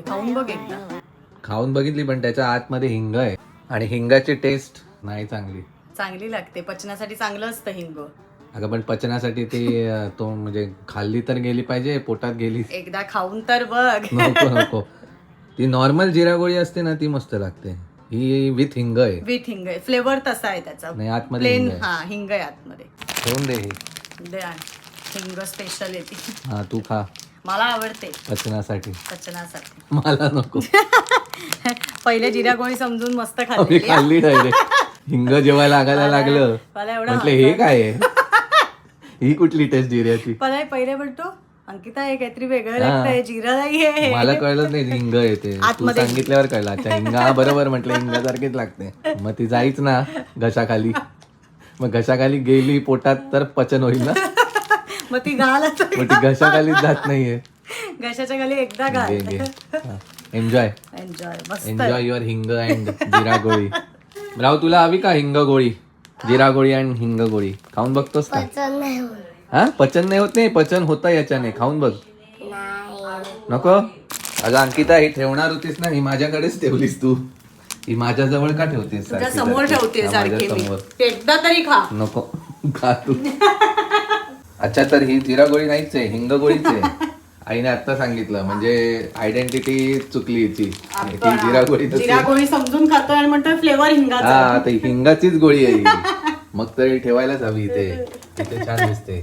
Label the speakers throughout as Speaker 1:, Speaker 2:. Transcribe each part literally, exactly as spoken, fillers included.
Speaker 1: खाऊन बघ एकदा.
Speaker 2: खाऊन बघितली पण त्याच्या आतमध्ये हिंग आहे आणि हिंगाची टेस्ट नाही चांगली.
Speaker 1: चांगली लागते, पचनासाठी चांगलं असतं हिंग.
Speaker 2: अगं पण पचनासाठी ती अं, तो म्हणजे खाल्ली तर गेली पाहिजे, पोटात गेली
Speaker 1: एकदा खाऊन तर बघ.
Speaker 2: नको नको. ती नॉर्मल जिरा गोळी असते ना ती मस्त लागते, ही विथ हिंग आहे.
Speaker 1: विथ हिंग आहे, फ्लेवर तसा आहे त्याचा.
Speaker 2: नाही आतमध्ये
Speaker 1: प्लेन
Speaker 2: हिंग आहे.
Speaker 1: हा हिंग आहे आतमध्ये.
Speaker 2: ठेवून दे ही.
Speaker 1: दे आण. हिंग स्पेशल येते.
Speaker 2: हा तू खा
Speaker 1: मला आवडते
Speaker 2: पचनासाठी.
Speaker 1: पचनासाठी.
Speaker 2: मला नको.
Speaker 1: पहिले जिरा गोळी समजून मस्त
Speaker 2: मी
Speaker 1: खाल्ली.
Speaker 2: खाल्ली डायरेक्ट. हिंग जेव्हा लागायला लागलं
Speaker 1: मला एवढं
Speaker 2: म्हटलं हे काय आहे, ही कुठली टेस्ट जिऱ्याची.
Speaker 1: मला पहिले म्हणतो अंकिता हे काहीतरी वेगळं लागतंय, जिरा नाहीये.
Speaker 2: मला कळलं नाही हिंग येते, तू
Speaker 1: आतमध्ये.
Speaker 2: सांगितल्यावर कळलं. अच्छा हिंग, हा बरोबर म्हटलं हिंगासारखीच लागते. मग ती जाईच ना घशाखाली, मग घशाखाली गेली पोटात तर पचन होईल ना.
Speaker 1: मग ती घाल आता.
Speaker 2: मग ती घशाखालीच जात नाहीये.
Speaker 1: घशाच्या खाली एकदा घाल.
Speaker 2: Enjoy
Speaker 1: enjoy. मस्त
Speaker 2: enjoy your hing and jeera goli. राव तुला हवी का हिंग गोळी, जिरा गोळी अँड हिंग गोळी? खाऊन बघतोस का? हा पचन नाही होत. नाही पचन होतं याच्याने, खाऊन बघ. नको. अगं अंकिता ही ठेवणार होतीस ना, ही माझ्याकडेच ठेवलीस तू. ही माझ्या जवळ का ठेवतेस?
Speaker 1: तुझ्या समोर ठेवते सारखी मी. एकदा तरी खा.
Speaker 2: नको खा तू. अच्छा तर ही जिरा गोळी नाहीच आहे, हिंग गोळीच आहे. आईने आता सांगितलं, म्हणजे आयडेंटिटी चुकली हिची. ही जिरा गोळी नसते.
Speaker 1: जिरा गोळी समजून खातोय आणि म्हणतोय फ्लेवर हिंगाचा.
Speaker 2: हा तर हिंगाचीच गोळी आहे ही. मग तरी ठेवायलाच हवी इथे, इथे छान दिसते.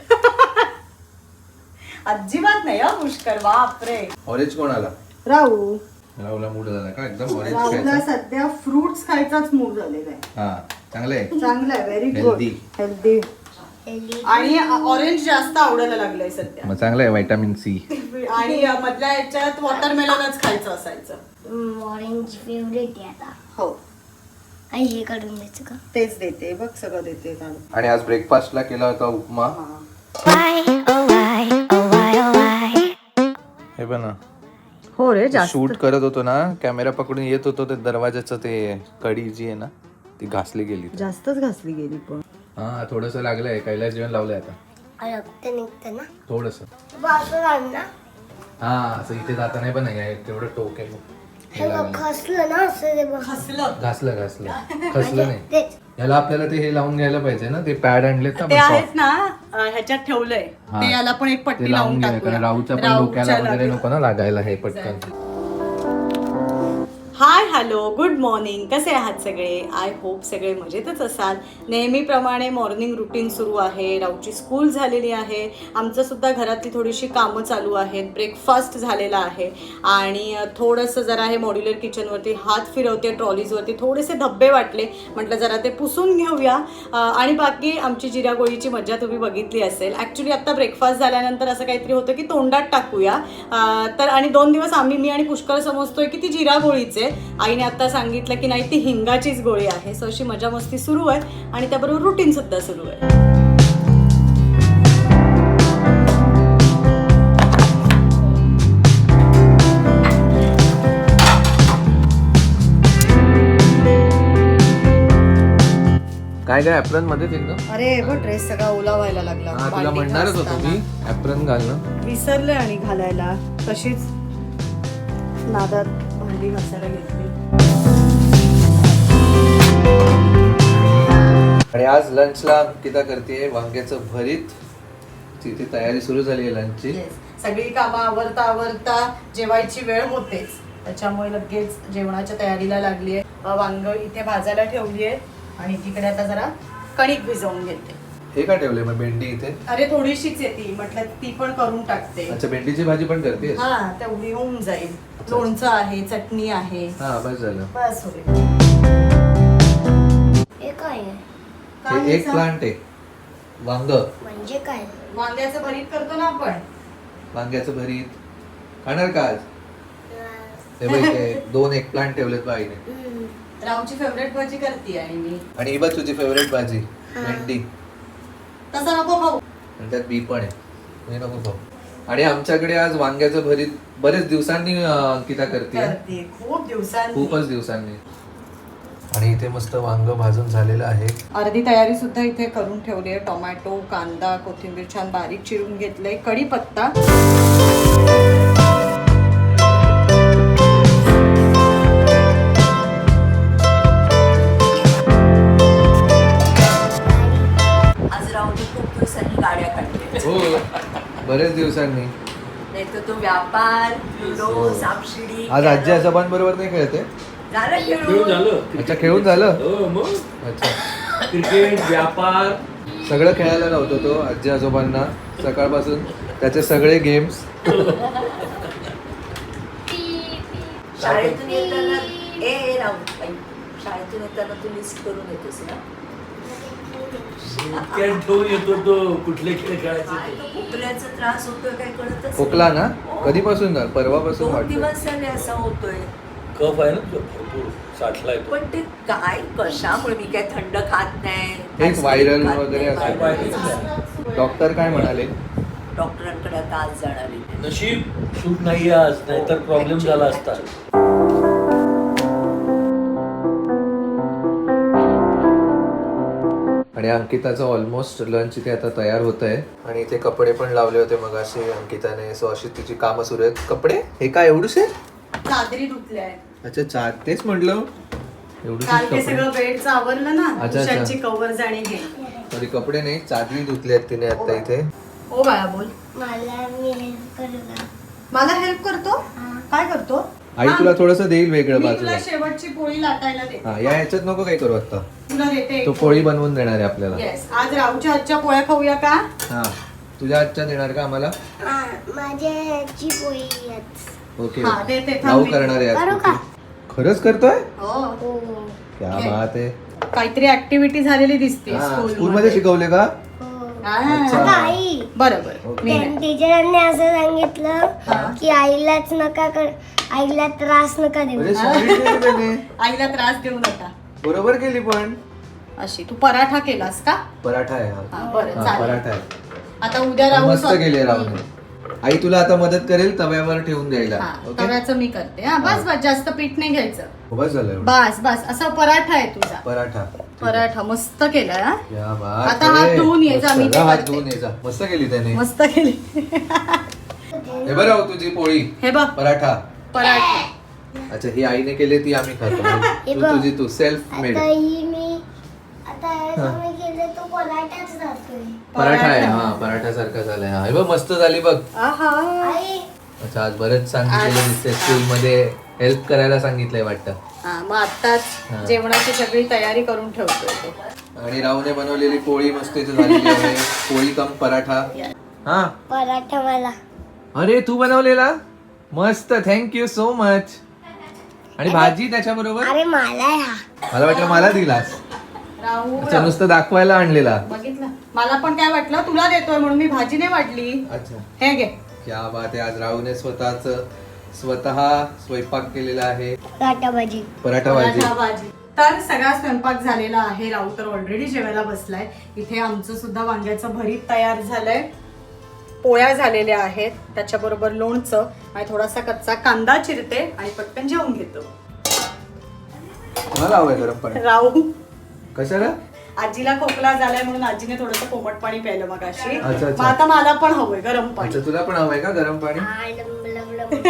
Speaker 1: अजिबात नाही हा पुष्कर. बापरे.
Speaker 2: ऑरेंज कोणाला?
Speaker 1: राहू.
Speaker 2: राहुला मूड झाला का एकदम ऑरेंज
Speaker 1: राहूला
Speaker 2: खायचा?
Speaker 1: सध्या फ्रुट्स खायचाच मूड झालेला आहे.
Speaker 2: हा चांगलं आहे.
Speaker 1: चांगलं आहे, व्हेरी गुड.
Speaker 2: Healthy.
Speaker 1: हेल्दी. आणि ऑरेंज जास्त आवडायला लागलंय सध्या.
Speaker 2: मग चांगलं आहे, व्हिटॅमिन सी.
Speaker 1: आणि मधल्या याच्यात वॉटरमेलनच खायचं असायचं.
Speaker 3: ऑरेंज फेवरेट आहे आता.
Speaker 1: हो
Speaker 3: आई हे काढून द्यायचं का?
Speaker 1: तेच देते बघ, सगळं देते काढून.
Speaker 2: आणि आज ब्रेकफास्टला केला होता उपमा. हे पण ना
Speaker 1: हो रे, जास्त
Speaker 2: शूट करत होतो ना, कॅमेरा पकडून येत होतो, ते दरवाजाचं ते कडी जी आहे ना ती घासली गेली.
Speaker 1: जास्तच घासली गेली पण.
Speaker 2: हा थोडस लागलंय, कैलास जेवण लावलंय आता
Speaker 3: रक्त निघतं ना.
Speaker 2: थोडस.
Speaker 3: बाजूला आण ना.
Speaker 2: हा असं इथे जाता नाही पण नाही तेवढं टोक आहे.
Speaker 3: हे बघ खसलं ना असं ते बघ.
Speaker 1: खसलं.
Speaker 2: घासलं घासलं खसलं नाही.
Speaker 3: तेच.
Speaker 2: याला आपल्याला ते हे लावून घ्यायला पाहिजे ना, ते पॅड आणलेत ना
Speaker 1: ते
Speaker 2: आपण
Speaker 1: आहेत ना अं, ह्याच्यात ठेवलंय.
Speaker 2: हा.
Speaker 1: ते याला पण एक
Speaker 2: ते
Speaker 1: पट्टी
Speaker 2: लावून
Speaker 1: लावून
Speaker 2: घ्या,
Speaker 1: टाकूया.
Speaker 2: कारण राहूच्या पण
Speaker 1: राहूच्या
Speaker 2: डोक्याला वगैरे
Speaker 1: लागेल.
Speaker 2: नको ना लागायला हे पटकन.
Speaker 1: Hi hello good morning. कसे आहात सगळे? आय होप सगळे मजेतच असाल. नेहमीप्रमाणे मॉर्निंग रुटीन सुरू आहे. राऊची स्कूल झालेली आहे, आमचं सुद्धा घरातली थोडीशी कामं चालू आहेत. ब्रेकफास्ट झालेला आहे आणि थोडंसं जरा हे मॉड्युलर किचनवरती हात फिरवते, ट्रॉलीजवरती थोडेसे धब्बे वाटले, म्हटलं जरा ते पुसून घेऊया. आणि बाकी आमची जिरा गोळीची मजा तुम्ही बघितली असेल. ॲक्च्युली आत्ता ब्रेकफास्ट झाल्यानंतर असं काहीतरी होतं की तोंडात टाकूया. तर आणि दोन दिवस आम्ही मी आणि पुष्कर समजतोय की ती जिरा गोळीच आहे. आईने आता सांगितलं की नाही ती हिंगाचीच गोळी आहे. सो अशी मजा मस्ती सुरू आहे आणि त्याबरोबर रुटीन सुद्धा सुरू आहे.
Speaker 2: काय काय ऍप्रन मध्येच एकदम.
Speaker 1: अरे बघ ड्रेस सगळा ओला व्हायला लागला.
Speaker 2: हा तुला
Speaker 1: बाल्टी
Speaker 2: म्हणणारच होतो
Speaker 1: घासताना.
Speaker 2: मी ऍप्रन घालणं.
Speaker 1: विसरले आणि घालायला, तशीच नादात भांडी घासायला घेतली.
Speaker 2: आणि आज लंचला अंकिता करते वांग्याचं भरीत. तिथे तयारी सुरू झाली आहे लंचची.
Speaker 1: Yes. सगळी कामं आवरता आवरता जेवायची वेळ होतेच, त्याच्यामुळे लगेच जेवणाच्या तयारीला लागली आहे. वांग इथे भाजायला ठेवली आहे आणि तिकडे आता जरा कणिक भिजवून घेते.
Speaker 2: हे का ठेवले मग भेंडी इथे?
Speaker 1: अरे थोडीशीच येते, म्हटलं ती पण करून टाकते.
Speaker 2: अच्छा भेंडीची भाजी पण करतेस?
Speaker 1: हा तेवढी होऊन जाईल. लोणचं आहे, चटणी आहे,
Speaker 2: हा बस झालं.
Speaker 1: बस होईल.
Speaker 3: हे काय आहे?
Speaker 2: हे एक प्लांट आहे वांग.
Speaker 3: म्हणजे काय?
Speaker 1: वांग्याचं भरीत करतो ना आपण.
Speaker 2: वांग्याचं भरीत खाणार का आज? हे बघ ते दोन एक प्लांट ठेवलेत बाईने.
Speaker 3: हम्म.
Speaker 1: रावची फेवरेट भाजी करते आणि मी.
Speaker 2: आणि ही बघ तुझी फेवरेट भाजी भेंडी.
Speaker 1: तसं नको खाऊ.
Speaker 2: आणि त्यात बी पण आहे, हे नको खाऊ. आणि आमच्याकडे आज वांग्याचं भरीत बरेच दिवसांनी अं, अंकिता करते.
Speaker 1: करते खूप दिवसांनी.
Speaker 2: खूपच दिवसांनी. आणि इथे मस्त वांग भाजून झालेलं आहे.
Speaker 1: अर्धी तयारी सुद्धा इथे करून ठेवली आहे. टोमॅटो, कांदा, कोथिंबीर छान बारीक चिरून घेतलंय. कढीपत्ता
Speaker 2: बरेच दिवसांनी.
Speaker 1: नाही तर तो व्यापार लुडो सापशिडी
Speaker 2: आज आजी आजोबांबरोबर नाही खेळते?
Speaker 1: झालं
Speaker 4: खेळून
Speaker 1: खेळून
Speaker 4: झालं.
Speaker 2: अच्छा खेळून झालं.
Speaker 4: हो मग
Speaker 2: अच्छा
Speaker 4: क्रिकेट व्यापार
Speaker 2: सगळं खेळायला लावतो तो आजी आजोबांना सकाळपासून त्याचे सगळे गेम्स.
Speaker 1: शाळेतून येताना ए ए राहू बाई, शाळेतून येताना तू लिस्ट करून येतोस ना.
Speaker 4: खेळ ठेवून येतो तो कुठले खेळ खेळायचे
Speaker 1: काय
Speaker 4: ते.
Speaker 1: तो खोकल्याचा त्रास होतोय काय कळतच नाही.
Speaker 2: खोकला ना कधीपासून झालं? परवापासून
Speaker 1: दोन
Speaker 2: वाटतं.
Speaker 1: दिवस झाले असा होतोय.
Speaker 4: कफ आहे ना तो भरपूर साठलाय तो.
Speaker 1: पण ते काय कशामुळे मी काय थंड खात नाही
Speaker 2: हेच व्हायरल
Speaker 1: खात
Speaker 2: वगैरे
Speaker 1: नाही,
Speaker 2: असं.
Speaker 4: व्हायरल.
Speaker 2: डॉक्टर काय म्हणाले?
Speaker 1: डॉक्टरांकडे आता आज जाणार आहे.
Speaker 4: नशीब शूट नाही आज नाहीतर प्रॉब्लेम झाला असता.
Speaker 2: आणि अंकिताचं ऑलमोस्ट लंच इथे आता तयार होत आहे. आणि इथे कपडे पण लावले होते मग असे अंकिताने. सो अशी तिची कामं सुरू आहेत. कपडे हे काय एवढूसे?
Speaker 1: चादरी धुतल्या
Speaker 2: अच्छा चा तेच म्हटलं एवढूसे
Speaker 1: काल ते
Speaker 2: कपडे.
Speaker 1: सगळं बेडचं आवरलं ना.
Speaker 2: अच्छा, अच्छा.
Speaker 1: उशाची कव्हर्स आणि हे.
Speaker 2: तरी कपडे नाही चादरी धुतली आहेत तिने आता इथे.
Speaker 1: ओ बाळा बोल.
Speaker 3: मला मी हेल्प करू का?
Speaker 1: मला हेल्प करतो. काय करतो?
Speaker 2: आई
Speaker 1: हा,
Speaker 2: तुला थोडस देईल वेगळं
Speaker 1: मी
Speaker 2: बाजूला.
Speaker 1: तुला शेवटची पोळी लाटायला देते.
Speaker 2: हा या ह्याच्यात नको काही करू आता.
Speaker 1: तुला देते.
Speaker 2: तो पोळी बनवून देणार आहे आपल्याला.
Speaker 1: येस आज राहूच्या हातच्या पोळ्या खाऊया का?
Speaker 2: हा तुझ्या हातच्या देणार का आम्हाला?
Speaker 3: हा, माझ्याची पोळी आहेत.
Speaker 2: ओके
Speaker 1: हा, देते, थांब
Speaker 2: राहू
Speaker 1: मी.
Speaker 2: करणार आहे आज
Speaker 3: करू
Speaker 2: कुठे?
Speaker 3: का?
Speaker 2: खरंच करतोय?
Speaker 1: हो
Speaker 3: हो.
Speaker 2: क्या
Speaker 1: घे.
Speaker 2: बात आहे.
Speaker 1: काहीतरी ऍक्टिव्हिटी झालेली दिसते
Speaker 2: स्कूल मध्ये शिकवले का?
Speaker 3: हो.
Speaker 2: अच्छा.
Speaker 3: अगं आई
Speaker 1: बरोबर
Speaker 2: ओके.
Speaker 1: मी नाही.
Speaker 3: टीचरांनी असं सांगितलं
Speaker 1: हा.
Speaker 3: की आईलाच नका कर आईला त्रास नका देऊ.
Speaker 2: अरे sorry केली त्याने.
Speaker 1: आईला त्रास देऊ नका.
Speaker 2: बरोबर केली पण.
Speaker 1: अशी तू पराठा केलास का?
Speaker 2: पराठा आहे हा.
Speaker 1: हा, बरं,
Speaker 2: हा,
Speaker 1: चालेल.
Speaker 2: पराठा आहे.
Speaker 1: आता उद्या राहू
Speaker 2: मस्त
Speaker 1: स्वत-
Speaker 2: केले राहून. आई तुला आता मदत करेल तव्यावर ठेवून द्यायला.
Speaker 1: हा,
Speaker 2: ओके
Speaker 1: तव्याचं मी करते. हा बस बस जास्त पीठ नाही घ्यायचं.
Speaker 2: बस झालं एवढं.
Speaker 1: बस बस असा पराठा आहे तुझा.
Speaker 2: पराठा.
Speaker 1: पराठा मस्त केलाय हा.
Speaker 2: क्या बात
Speaker 1: आता हात
Speaker 2: आहे.
Speaker 1: धुवून ये जा,
Speaker 2: मस्त.
Speaker 1: मी ते
Speaker 2: जा, हात
Speaker 1: करते.
Speaker 2: धुवून ये जा. मस्त केली त्याने.
Speaker 1: मस्त केली.
Speaker 2: हे बरं हो तुझी पोळी
Speaker 1: हे बघ
Speaker 2: पराठा.
Speaker 1: पराठा.
Speaker 2: अच्छा ही आईने केली ती आम्ही खातो.
Speaker 3: हे
Speaker 2: तू
Speaker 3: बघ.
Speaker 2: तुझी तू सेल्फ मेड.
Speaker 3: आता ही मी आता असं मी केलं तो पराठाच जातोय.
Speaker 2: पराठा आहे हा पराठा सारखा झालाय. हा हे बघ मस्त झाली बघ.
Speaker 1: आहा.
Speaker 3: आई
Speaker 2: अच्छा आज बरंच सांगितलेलं दिसते स्कूल मध्ये हेल्प करायला सांगितलंय वाटतं.
Speaker 1: हा मग आताच
Speaker 2: हा.
Speaker 1: जेवणाची सगळी तयारी करून ठेवतोय तो.
Speaker 2: आणि राहूने बनवलेली पोळी मस्त इथे झालेली आहे. पोळी कम पराठा. हा
Speaker 3: पराठा मला
Speaker 2: अरे तू बनवलेला मस्त थँक्यू सो मच. आणि भाजी त्याच्याबरोबर.
Speaker 3: अरे मला हा
Speaker 2: मला वाटलं मला दिलास.
Speaker 1: राहू
Speaker 2: अच्छा नुसतं दाखवायला आणलेला.
Speaker 1: बघितलं मला पण काय वाटलं तुला देतोय म्हणून मी भाजी नाही वाढली.
Speaker 2: अच्छा
Speaker 1: हे घे.
Speaker 2: क्या बात आहे. आज राहूने स्वतःच स्वतः स्वयंपाक केलेला आहे.
Speaker 3: पराठा भाजी.
Speaker 2: पराठा भाजी.
Speaker 1: पराठा भाजी. तर सगळा स्वयंपाक झालेला आहे. राहू तर ऑलरेडी जेवायला बसलाय. इथे आमचं सुद्धा वांग्याचं भरीत तयार झालंय. पोळ्या झालेल्या आहेत त्याच्याबरोबर लोणचं आणि थोडासा कच्चा कांदा चिरते आणि पटकन जेवून घेतो.
Speaker 2: मला हवंय गरम पाणी.
Speaker 1: राहू
Speaker 2: कशाला?
Speaker 1: आजीला खोकला झालाय म्हणून आजीने थोडंसं कोमट पाणी प्यायलं मगाशी.
Speaker 2: अच्छा, अच्छा.
Speaker 1: मग आता मला पण हवंय गरम पाणी.
Speaker 2: अच्छा तुला पण हवंय का गरम पाणी?
Speaker 3: आ, लम, लम, लम.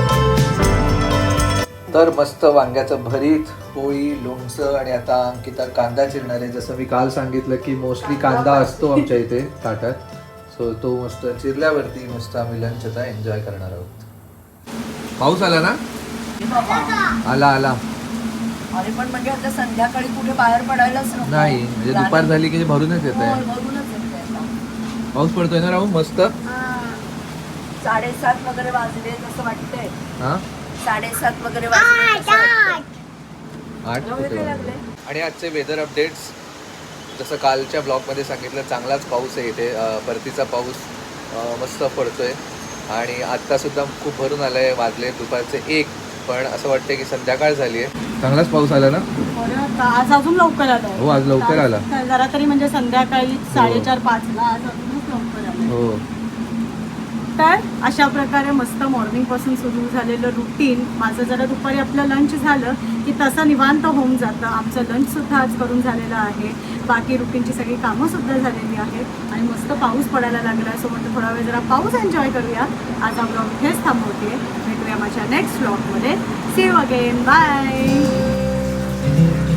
Speaker 2: तर मस्त वांग्याचं भरीत पोळी लोणचं आणि आता अंकिता कांदा चिरणार आहे. जसं मी काल सांगितलं की मोस्टली कांदा असतो आमच्या इथे ताटात. सो तो मस्त चिरल्यावरती मस्त आम्ही लंच आता एन्जॉय करणार आहोत. पाऊस आला ना? आला आला.
Speaker 1: अरे पण म्हणजे आता संध्याकाळी कुठे बाहेर पडायलाच नको.
Speaker 2: नाही म्हणजे दुपार झाली की भरूनच येत आहे.
Speaker 1: भरूनच येतंय आता.
Speaker 2: पाऊस पडतोय ना राहू मस्त.
Speaker 3: हा.
Speaker 1: साडेसात वगैरे वाजले असं वाटतंय.
Speaker 2: हा
Speaker 1: साडेसात वगैरे
Speaker 3: आठ,
Speaker 1: वाजले.
Speaker 3: आठ.
Speaker 2: आठ
Speaker 1: एवढे
Speaker 2: कुठे
Speaker 1: काय
Speaker 2: वाजले?
Speaker 1: लागले?
Speaker 2: आणि आजचे वेदर अपडेट्स जसं कालच्या ब्लॉगमध्ये सांगितलं चांगलाच पाऊस आहे इथे. अं, परतीचा पाऊस अं, मस्त पडतोय. आणि आत्तासुद्धा खूप भरून आलं आहे. वाजले दुपारचे एक. पण असं वाटतं की संध्याकाळ झाली आहे. चांगलाच पाऊस आला ना?
Speaker 1: आज अजून लवकर आला.
Speaker 2: हो आज लवकर आला.
Speaker 1: जरा तरी म्हणजे संध्याकाळी साडेचार पाच ला आज अजूनच लवकर आला.
Speaker 2: हो
Speaker 1: तर अशा प्रकारे मस्त मॉर्निंग पासून सुरू झालेलं रुटीन माझं जरा दुपारी आपलं लंच झालं की तसं निवांत होऊन जातं. आमचं लंच सुद्धा आज करून झालेलं आहे. बाकी रुटीनची सगळी कामं सुद्धा झालेली आहेत आणि मस्त पाऊस पडायला लागला. सो म्हटलं थोडा वेळ जरा पाऊस एन्जॉय करूया. आज हा ब्लॉग इथेच थांबवते. भेटूया माझ्या नेक्स्ट ब्लॉगमध्ये. See you again. बाय.